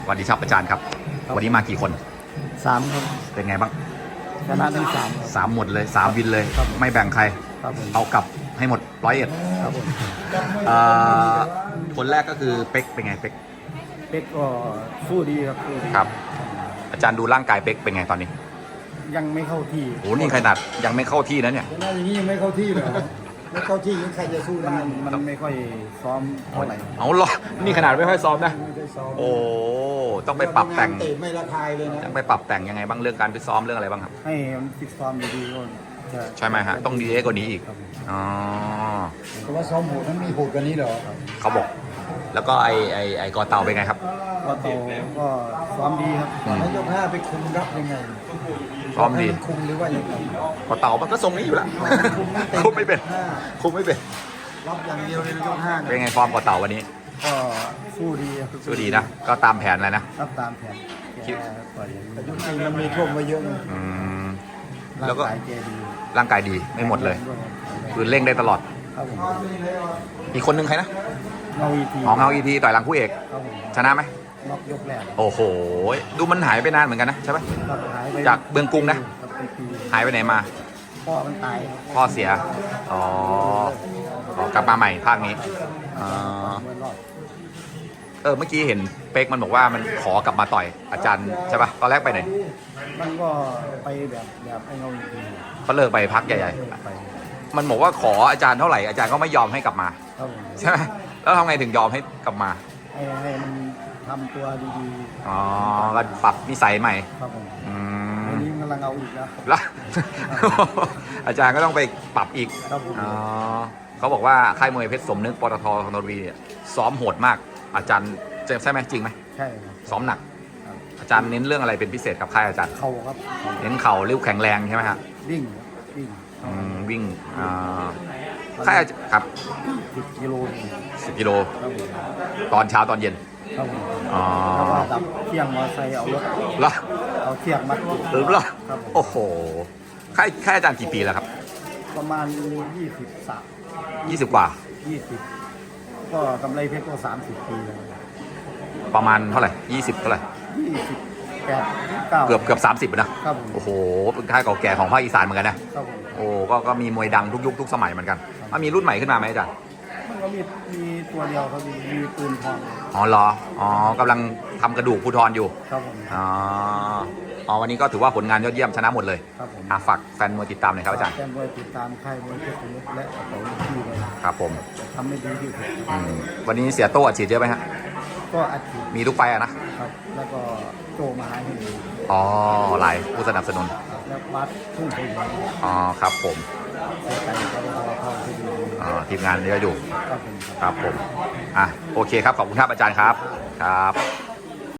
สวัสดีครับอาจารย์ครับ วันนี้มากี่คน 3 ครับเป็นไงบ้างชนะทั้ง3 หมดเลย3วินเลย ไม่แบ่งใครครับผมเอากลับให้หมด101 ครับผมคนแรกก็คือเป๊กเป็นไงเป๊กเป็กก็สู้ดีครับสู้ดีครับ อาจารย์ดูร่างกายเป๊กเป็นไงตอนนี้ยังไม่เข้าที่โอ้นี่ขนาดยังไม่เข้าที่นะเนี่ยหน้าอย่างนี้ยังไม่เข้าที่เลยไม่เข้าที่ยังใครจะสู้ได้มันไม่ค่อยซ้อมเท่าไหร่เอาหรอนี่ขนาดไม่ค่อยซ้อมนะไม่ได้ซ้อมโอ้ต้องไปปรับแต่งเตะไม่ระคายเลยนะต้องไปปรับแต่งยังไงบ้างเรื่องการไปซ้อมเรื่องอะไรบ้างครับให้มันฟิตซ้อมดีๆก็จะใช่ไหมฮะต้องดีกว่านี้อีกครับผมอ๋อเพราะว่าซ้อมโหดนั้นมีโหดกว่านี้เหรอเขาบอก แล้วก็ไอ้กอเตาเป็นไงครับก็โตก็ซ้อมดีครับแล้วยกห้าไปคุมรับยังไงซ้อมดีให้นคุมหรือว่ายังไงกอเตามันก็ทรงนี้อยู่แล้ว คุมไม่เป็นห้าคุมไม่เป็นรับอย่างเดียวเลยนะยกห้าเป็นไงฟอร์มกอเตาวันนี้ก็สู้ดีครับสู้ดีนะ ก็ตามแผนเลยนะรับตามแผนแกต่อยแต่ยกจริงมันมีท่วมไว้เยอะนะอืมร่าแล้วงก็กายแกดีร่างกายดีไม่หมดเลยคือเร่งได้ตลอดครับผมอีกคนนึงใครนะเงาอีทีของเงาอีทีต่อยหลังคู่เอกครับผมชนะไหมล็อกยกแรกโอ้โห ดูมันหายไปนานเหมือนกันนะใช่ไหมครับหายไปจากเมืองกรุงนะครับเป็นปีหายไปไหนมาพ่อมันตายพ่อเสีย อ๋อ กลับมาใหม่ภาคนี้อ๋อเมื่อรอบเมื่อกี้เห็นเป๊กมันบอกว่ามันขอกลับมาต่อยอาจารย์ใช่ปะตอนแรกไปไหนมันก็ไปแบบไอ้เงาอีทีเขาเลิกไปพักใหญ่ไปๆ มันบอกว่าขออาจารย์เท่าไหร่อาจารย์ก็ไม่ยอมให้กลับมาครับผมใช่ไหมแล้วทำไงถึงยอมให้กลับมาให้มันทำตัวดีอ๋อก็ปรับนิสัยใหม่ๆครับผมอืวันมนี้มันกำลังเอาอีกแล้วแล้ว อาจารย์ก็ต้องไปปรับอีกครับผมอ๋อเขาบอกว่าค่ายมวยเพชรสมนึกปตทธนบุรีเนี่ยซ้อมโหดมาก อาจารย์ใช่ไหมจริงไหมใช่ครับซ้อมหนักครับอาจารย์เน้นเรื่องอะไรเป็นพิเศษกับค่ายอาจารย์เข่าครับเน้นเข่าริ้วแข็งแรงใช่ไหมฮะวิ่งครับวิ่งวิ่งค่ายครับ 10 กิโล 10 กิโลครับผมตอนเช้าตอนเย็นครับผมอ๋อแล้วก็ดับเที่ยงมอไซค์เอารถแล้วเอาเที่ยงมัดติดหรือเปล่าครับผมโอ้โหค่ายอาจารย์กี่ปีแล้วครับประมาณ23 20 กว่า 20ก็กำไรเพชรก็30 ปีแล้วประมาณเท่าไหร่20เท่าไหร่ 28 9 เกือบ30นะครับผมโอ้โหเป็นค่ายเก่าแก่ของภาคอีสานเหมือนกันนะครับผมโอ้ก็มีมวยดังทุกยุคทุกสมัยเหมือนกันมีรุ่นใหม่ขึ้นมาไหมอาจารย์มันก็มีตัวเดียวครับมีปืนทองอ๋อเหรอ อ๋อกำลังทำกระดูกภูทรอยู่ครับผมอ๋อวันนี้ก็ถือว่าผลงานยอดเยี่ยมชนะหมดเลยครับผมฝากแฟนมวยติดตามหน่อยครับอาจารย์แฟนมวยติดตามค่ายมวยเพชรสมุทรและกระเป๋าที่เลยครับผมทำไม่ดีที่สุดวันนี้เสียโต้อัดฉีดเยอะไหมฮะก็อาทิตย์มีทุกไฟอะนะครับ แล้วก็โจมาให้ดีอ๋อหลายผู้สนับสนุนแล้ววัดทุ่งไปเลยอ๋อครับผมเสียใจก็รอเข้าที่ดีทีมงานเยอะอยู่ครับผมครับผมโอเคครับขอบคุณครับอาจารย์ครับครับ